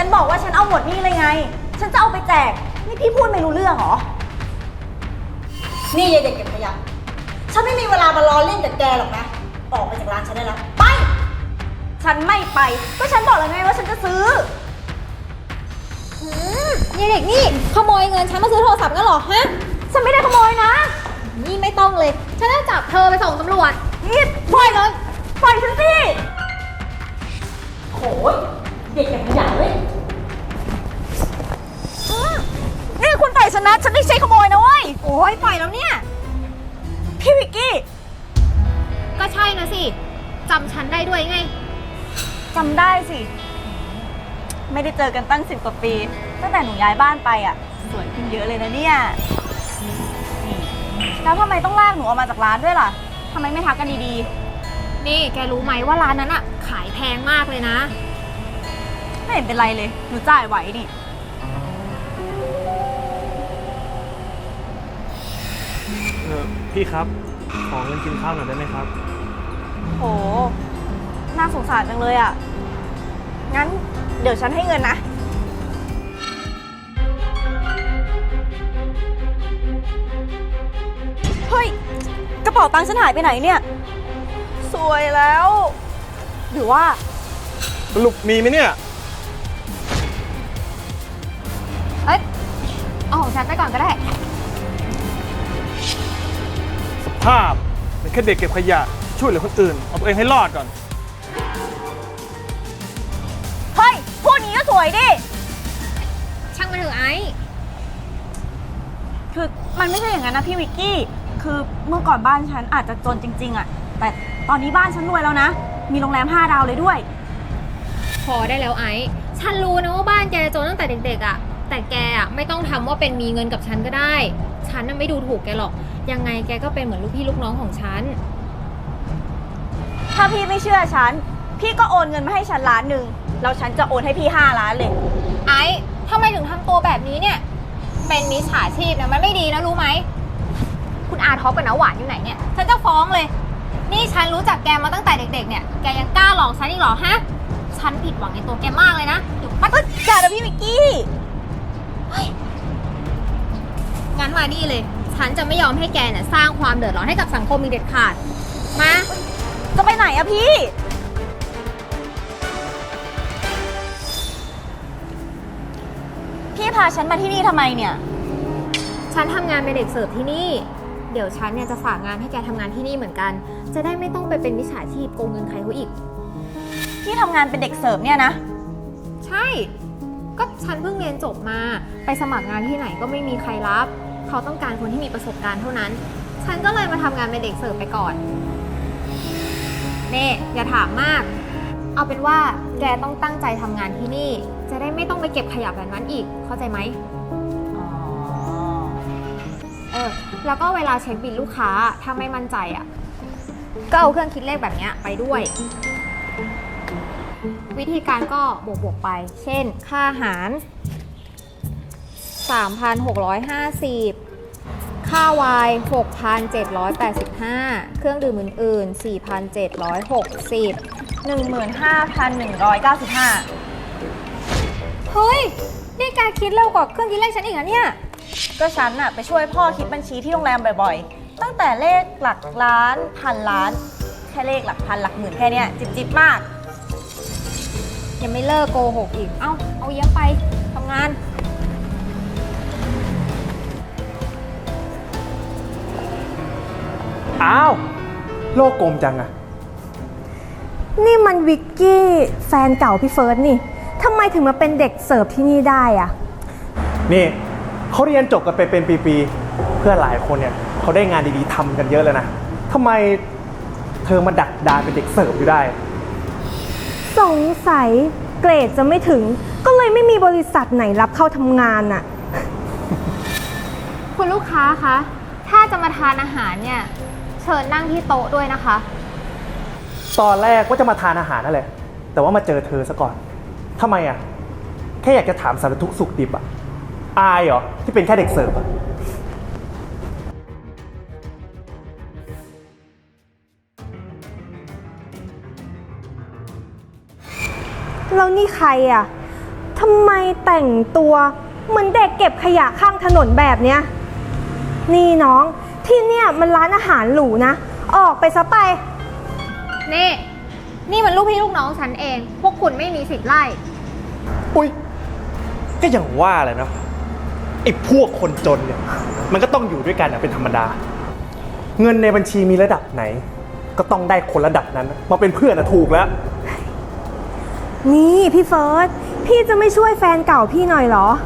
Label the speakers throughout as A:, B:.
A: นบอกว่าฉันเอาหมดนี่เลยไงฉันจะเอาไปแจกนี่พี่พูดไม่รู้เรื่องเหรอ
B: นี่ยายเด็กเก็บขยะฉันไม่มีเวลามารอเล่นกับแกหรอกนะออกไปจากร้านฉันได้แล้วไป
A: ฉันไม่ไปก็ฉันบอกแล้วไงว่าฉันจะซื้อ
C: ยายเด็กนี่ขโมยเงินฉันมาซื้อโทรศัพท์กันหรอฮะ
A: ฉันไม่ได้ขโมยนะ
C: นี่ไม่ต้องเลยฉันจะจับเธอไปส่งตำรวจ
A: นี่ปล่อยเลยปล่อยฉันสิ
B: โหยเด็กเก็บขยะเว้ย
A: นี่คุณปล่อยฉันนะฉันไม่ใช่ขโมยนะเว้ย
C: โอ้ยปล่อยแล้วเนี่ย
A: พี่วิกกี้
C: ก็ใช่นะสิจำฉันได้ด้วยไง
A: จำได้สิไม่ได้เจอกันตั้ง10 กว่าปีตั้งแต่หนูย้ายบ้านไปอ่ะสวยขึ้นเยอะเลยนะเนี่ยแล้วทำไมต้องลากหนูออกมาจากร้านด้วยล่ะทำไมไม่ทักกันดี
C: ๆนี่แกรู้ไหมว่าร้านนั้นอ่ะขายแพงมากเลยนะ
A: ไม่เห็นเป็นไรเลยหนูจ่ายไหวนี่
D: พี่ครับขอเงินกินข้าวหน่อยได้ไหมครับ
A: โหน่าสงสารจังเลยอ่ะงั้นเดี๋ยวฉันให้เงินนะเฮ้ยกระเป๋าตังค์ฉันหายไปไหนเนี่ยสวยแล้วหรือว่า
D: สรุปมีไหมเนี่ย
C: เอ้ยเอาของฉันไปก่อนก็ได้
D: สภาพเป็นแค่เด็กเก็บขยะช่วยเหลือคนอื่นเอาตัวเองให้รอดก่อน
A: เฮ้ยพูดนี้ก็สวยดิ
C: ช่างมันเถอะไอ้
A: คือมันไม่ใช่อย่างนั้นนะพี่วิกกี้คือเมื่อก่อนบ้านฉันอาจจะจนจริงๆอ่ะแต่ตอนนี้บ้านฉันรวยแล้วนะมีโรงแรม5 ดาวเลยด้วย
C: พอได้แล้วไอ้ฉันรู้นะว่าบ้านแกจนตั้งแต่เด็กๆอ่ะแต่แกอ่ะไม่ต้องทำว่าเป็นมีเงินกับฉันก็ได้ฉันน่ะไม่ดูถูกแกหรอกยังไงแกก็เป็นเหมือนลูกพี่ลูกน้องของฉัน
A: ถ้าพี่ไม่เชื่อฉันพี่ก็โอนเงินมาให้ฉัน1 ล้านแล้วฉันจะโอนให้พี่5 ล้านเลย
C: ไอ้ทำไมถึงทำตัวแบบนี้เนี่ยเป็นมิจฉาชีพเนี่ยมันไม่ดีนะรู้ไหมคุณอาท็อปกับน้าหวานอยู่ไหนเนี่ยฉันจะฟ้องเลยนี่ฉันรู้จักแกมาตั้งแต่เด็กๆเนี่ยแกยังกล้าหลอกฉันอีกเหรอฮะฉันผิดหวังในตัวแกมากเลยนะเดี๋ยว
A: มันก็จ่านะพี่วิกกี้
C: งั้นมานี่เลยฉันจะไม่ยอมให้แกเนี่ยสร้างความเดือดร้อนให้กับสังคมอีกเด็ดขาดมา
A: จะไปไหนอะพี่พาฉันมาที่นี่ทำไมเนี่ย
C: ฉันทำงานเป็นเด็กเสิร์ฟที่นี่เดี๋ยวฉันเนี่ยจะฝากงานให้แกทำงานที่นี่เหมือนกันจะได้ไม่ต้องไปเป็นมิจฉาชีพโกงเงินใครเขาอีก
A: ที่ทำงานเป็นเด็กเสิร์ฟเนี่ยนะ
C: ใช่ก็ฉันเพิ่งเรียนจบมาไปสมัครงานที่ไหนก็ไม่มีใครรับเขาต้องการคนที่มีประสบการณ์เท่านั้นฉันก็เลยมาทำงานเป็นเด็กเสิร์ฟไปก่อนเน่อย่าถามมากเอาเป็นว่าแกต้องตั้งใจทำงานที่นี่จะได้ไม่ต้องไปเก็บขยะแบบนั้นอีกเข้าใจไหมแล้วก็เวลาเช็คบิลลูกค้าถ้าไม่มั่นใจอ่ะก็เอาเครื่องคิดเลขแบบนี้ไปด้วยวิธีการก็บวกไปเช่นค่าอาหาร 3,650 ค่าไวน์ 6,785 เครื่องดื่มอื่นๆ 4,760
A: 15,195
C: เฮ้ยนี่แกคิดเร็วกว่าเครื่องคิดเลขฉันอีกนะเนี่ย
A: ก็ฉันน่ะไปช่วยพ่อคิดบัญชีที่โรงแรมบ่อยๆตั้งแต่เลขหลักล้านพันล้านแค่เลขหลักพันหลักหมื่นแค่เนี้ยจิบมาก
C: ยังไม่เลิกโกหกอีกเอาเยี่ยมไปทำงาน
D: อ้าวโลกกลมจังอะ
E: นี่มันวิกกี้แฟนเก่าพี่เฟิร์สนี่ทำไมถึงมาเป็นเด็กเสิร์ฟที่นี่ได้อะ
D: นี่เขาเรียนจบกันไปเป็นปีๆเพื่อนหลายคนเนี่ยเขาได้งานดีๆทำกันเยอะแล้วนะทำไมเธอมาดักดานเป็นเด็กเสิร์ฟอยู่ได้
E: สงสัยเกรดจะไม่ถึงก็เลยไม่มีบริษัทไหนรับเข้าทำงานน่ะ
C: คุณลูกค้าคะถ้าจะมาทานอาหารเนี่ยเชิญนั่งที่โต๊ะด้วยนะคะ
D: ตอนแรกว่าจะมาทานอาหารนั่นแหละแต่ว่ามาเจอเธอซะก่อนทำไมอะแค่อยากจะถามสารทุกข์สุขดิบอะอายเหรอที่เป็นแค่เด็กเสิร์ฟอะ
E: แล้วนี่ใครอะทำไมแต่งตัวเหมือนเด็กเก็บขยะข้างถนนแบบเนี้ย นี่น้องที่เนี่ยมันร้านอาหารหรูนะ ออกไปซะไป
C: นี่มันลูกพี่ลูกน้องฉันเอง พวกคุณไม่มีสิทธิ์ไล่
D: อุ้ยก็อย่างว่าแหละเนาะไอ้พวกคนจนเนี่ยมันก็ต้องอยู่ด้วยกันเป็นธรรมดา เงินในบัญชีมีระดับไหน ก็ต้องได้คนระดับนั้นมาเป็นเพื่อนถูกแล้ว
E: นี่พี่เฟิร์สพี่จะไม่ช่วยแฟนเก่าพี่หน่อยเหรอ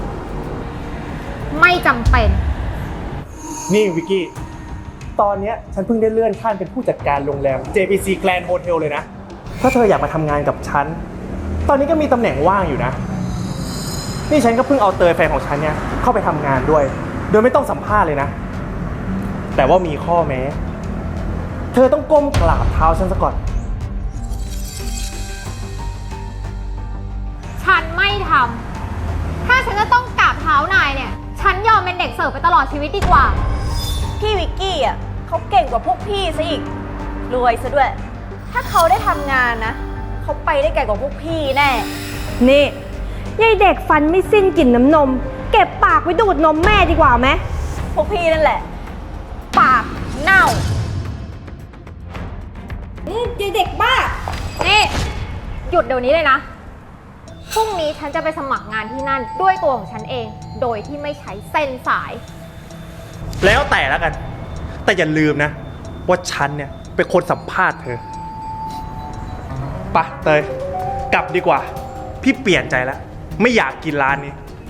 C: ไม่จำเป็น
D: นี่วิกกี้ ตอนเนี้ยฉันเพิ่งได้เลื่อนขั้นเป็นผู้จัดการโรงแรม JPC Grand Hotel เลยนะ ถ้าเธออยากมาทำงานกับฉัน ตอนนี้ก็มีตำแหน่งว่างอยู่นะ นี่ฉันก็เพิ่งเอาเตยแฟนของฉันเนี่ยเข้าไปทำงานด้วย โดยไม่ต้องสัมภาษณ์เลยนะ แต่ว่ามีข้อแม้ เธอต้องก้มกราบเท้าฉันซะก่อน
C: ฉันไม่ทำ ถ้าฉันจะต้องกราบเท้านายเนี่ย ฉันยอมเป็นเด็กเสิร์ฟไปตลอดชีวิตดีกว่า
A: พี่วิกกี้อ่ะเขาเก่งกว่าพวกพี่ซะอีก รวยซะด้วย ถ้าเขาได้ทำงานนะ เขาไปได้ไกลกว่าพวกพี่แน่
E: นี่ยายเด็กฟันไม่สิ้นกลิ่นน้ำนม เก็บปากไว้ดูดนมแม่ดีกว่าไหม
A: พวกพี่นั่นแหละ ปากเน่า
E: ยายเด็กบ้า
C: นี่ หยุดเดี๋ยวนี้เลยนะ พรุ่งนี้ฉันจะไปสมัครงานที่นั่นด้วยตัวของฉันเอง โดยที่ไม่ใช้เส้นสาย
D: แล้วแต่แล้วกัน แต่อย่าลืมนะ ว่าฉันเนี่ยเป็นคนสัมภาษณ์เธอไปะเตย กลับดีกว่า พี่เปลี่ยนใจแล้ว ไม่อยากกินร้านนี้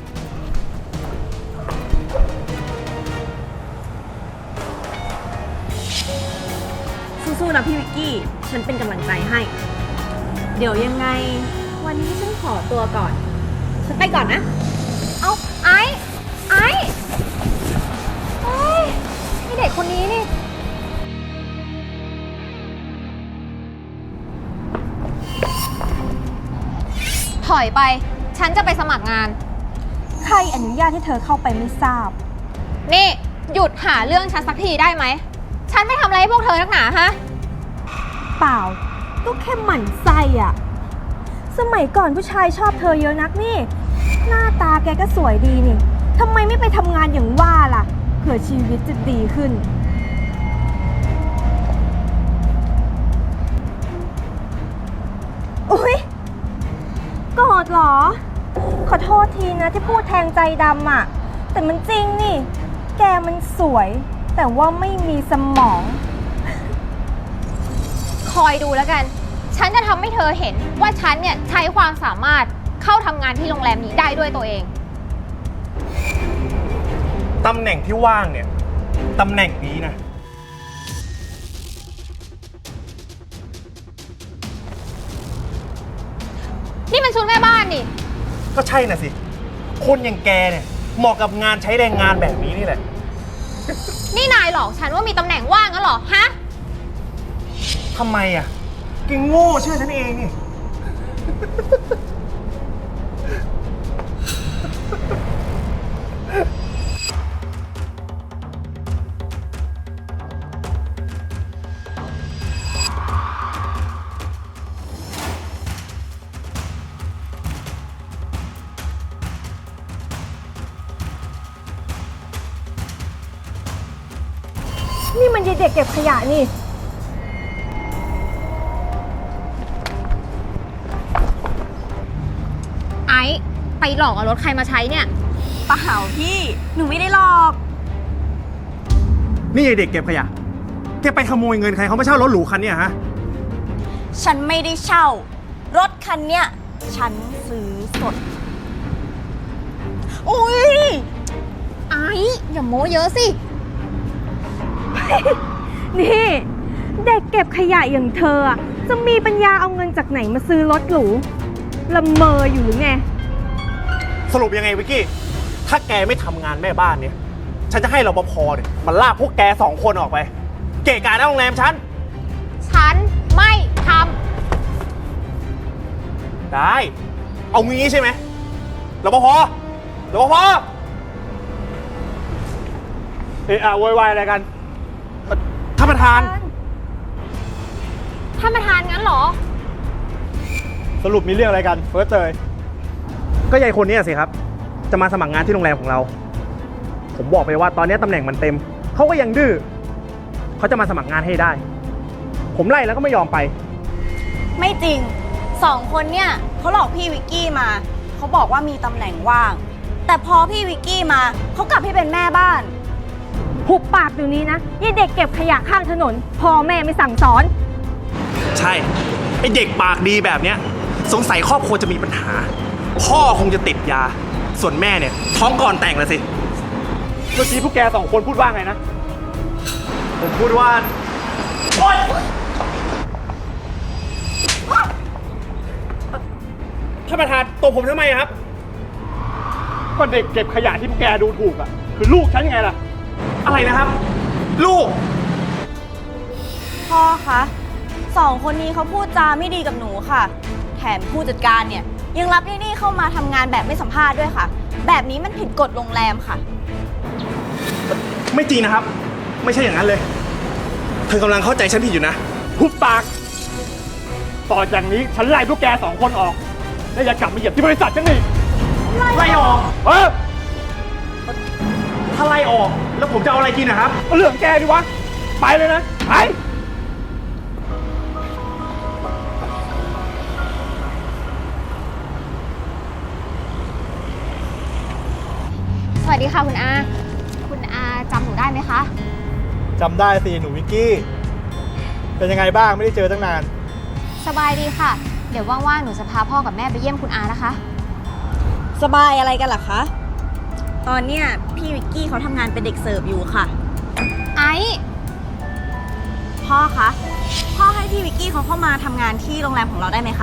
A: สู้ๆนะพี่วิกกี้ ฉันเป็นกำลังใจให้ เดี๋ยวยังไง วันนี้ฉันขอตัวก่อน ฉันไปก่อนนะ
C: เอาไอ้เฮ้ยไอ้เด็กคนนี้นี่ ถอยไป ฉันจะไปสมัครงาน
E: ใครอนุญาตให้เธอเข้าไปไม่ทราบ
C: นี่ หยุดหาเรื่องฉันสักทีได้ไหม ฉันไม่ทำอะไรให้พวกเธอนักหนาฮะ
E: เปล่าก็แค่หมั่นไส้อะสมัยก่อนผู้ชายชอบเธอเยอะนักนี่ หน้าตาแกก็สวยดีนี่ทำไมไม่ไปทำงานอย่างว่าล่ะเผื่อชีวิตจะดีขึ้น อุ๊ยโกรธเหรอ ขอโทษทีนะที่พูดแทงใจดำอะแต่มันจริงนี่ แกมันสวย แต่ว่าไม่มีสมอง
C: คอยดูแล้วกัน ฉันจะทำให้เธอเห็นว่าฉันเนี่ยใช้ความสามารถเข้าทำงานที่โรงแรมนี้ได้ด้วยตัวเอง
D: ตำแหน่งที่ว่างเนี่ย ตำแหน่งนี้นะ
C: นี่มันชุดแม่บ้านนี่
D: ก็ใช่น่ะสิ คนอย่างแกเนี่ยเหมาะกับงานใช้แรงงานแบบนี้นี่แหละ
C: นี่นายหลอกฉันว่ามีตำแหน่งว่างงั้นเหรอ ฮะ
D: ทำไมอ่ะแกโง่เชื่อฉันเองนี่
E: นี่มันยายเด็กเก็บขยะนี่
C: ไอ้ไปหลอกเอารถใครมาใช้เนี่ย
A: เปล่าพี่ หนูไม่ได้หลอก
D: นี่ไอเด็กเก็บขยะ แกไปขโมยเงินใครเขาไม่เช่ารถหรูคันเนี่ยฮะ
A: ฉันไม่ได้เช่า รถคันเนี้ย ฉันซื้อสด อุ้ย
C: ไอ้อย่าโม้เยอะสิ
E: นี่เด็กเก็บขยะอย่างเธออะจะมีปัญญาเอาเงินจากไหนมาซื้อรถหรูละเมออยู่หรือไง
D: สรุปยังไงวิกกี้ ถ้าแกไม่ทำงานแม่บ้านเนี่ย ฉันจะให้รปภเนี่ยมันลากพวกแก2 คนออกไป เกะกะหน้าโรงแรมฉัน
C: ฉันไม่ท
D: ได้ เอางี้ใช่ไหมรปภรปภเอะอะโวยวายอะไรกันท่านประธาน
C: ท่านประธานงั้นเหรอ
D: สรุปมีเรื่องอะไรกันเฟิร์สเตยก็ยายคนนี้สิครับ จะมาสมัครงานที่โรงแรมของเรา ผมบอกไปว่าตอนนี้ตำแหน่งมันเต็ม เขาก็ยังดื้อเขาจะมาสมัครงานให้ได้ ผมไล่แล้วก็ไม่ยอมไป
A: ไม่จริงสองคนเนี่ยเขาหลอกพี่วิกกี้มาเขาบอกว่ามีตำแหน่งว่าง แต่พอพี่วิกกี้มาเขากลับให้เป็นแม่บ้าน
E: หุบปากเดี๋ยวนี้นะยี่เด็กเก็บขยะข้างถนนพ่อแม่ไม่สั่งสอน
D: ใช่ ไอเด็กปากดีแบบเนี้ยสงสัยครอบครัวจะมีปัญหา พ่อคงจะติดยา ส่วนแม่เนี่ยท้องก่อนแต่งแล้วสิ เมื่อกี้พวกแกสองคนพูดว่าไงนะ ผมพูดว่าโอ๊ยท่านประธานตบผมทำไมครับ ก็เด็กเก็บขยะที่พวกแกดูถูกอ่ะ คือลูกฉันไงล่ะ อะไรนะครับ ลูก
A: พ่อคะสองคนนี้เขาพูดจาไม่ดีกับหนูค่ะ แถมผู้จัดการเนี่ยยังรับนี่เข้ามาทำงานแบบไม่สัมภาษณ์ด้วยค่ะ แบบนี้มันผิดกฎโรงแรมค่ะ
D: ไม่จริงนะครับ ไม่ใช่อย่างนั้นเลย เธอกำลังเข้าใจฉันผิดอยู่นะหุบปาก ต่อจากนี้ฉันไล่พวกแกสองคนออก และอย่ากลับมาเหยียบที่บริษัทฉันอีกไล่ออกถ้าไล่ออกแล้วผมจะเอาอะไรกินนะครับเรื่องแกดิวะ ไปเลยนะ ไป
C: สวัสดีค่ะคุณอา คุณอาจำหนูได้ไหมคะ
F: จำได้สิหนูวิกกี้ เป็นยังไงบ้างไม่ได้เจอตั้งนาน
C: สบายดีค่ะ เดี๋ยวว่างๆ หนูจะพาพ่อกับแม่ไปเยี่ยมคุณอานะคะ
A: สบายอะไรกันล่ะคะ ตอนเนี้ยพี่วิกกี้เขาทำงานเป็นเด็กเสิร์ฟอยู่ค่ะ
C: ไอ้
A: พ่อคะพ่อให้พี่วิกกี้เขาเข้ามาทำงานที่โรงแรมของเราได้ไหมคะ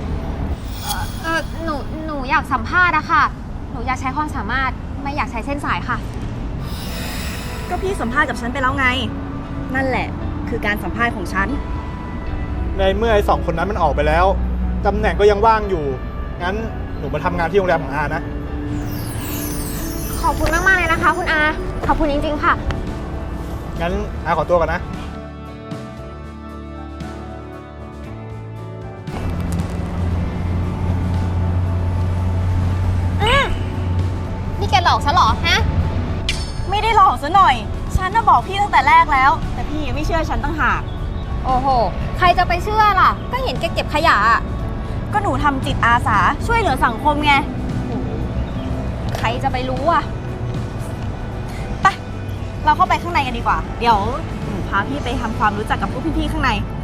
C: หนูอยากสัมภาษณ์อะค่ะ หนูอยากใช้ความสามารถไม่อยากใช้เส้นสายค่ะ
A: ก็พี่สัมภาษณ์กับฉันไปแล้วไง นั่นแหละคือการสัมภาษณ์ของฉัน
F: ในเมื่อไอ้สองคนนั้นมันออกไปแล้ว ตำแหน่งก็ยังว่างอยู่ งั้นหนูมาทำงานที่โรงแรมของอานะ
C: ขอบคุณมากๆเลยนะคะคุณอา ขอบคุณจริงๆค่ะ
F: งั้นอาขอตัวก่อนนะ
C: นี่แกหลอกฉันเหรอ ฮะ
A: ไม่ได้หลอกซะหน่อย ฉันน่ะบอกพี่ตั้งแต่แรกแล้ว แต่พี่ยังไม่เชื่อฉันตั้งหาก
C: โอ้โห ใครจะไปเชื่อล่ะ ก็เห็นแกเก็บขยะอะ
A: ก็หนูทำจิตอาสาช่วยเหลือสังคมไง
C: ใครจะไปรู้อะ
A: ไป เราเข้าไปข้างในกันดีกว่า เดี๋ยวหนูพาพี่ไปทำความรู้จักกับพวกพี่ๆข้างใน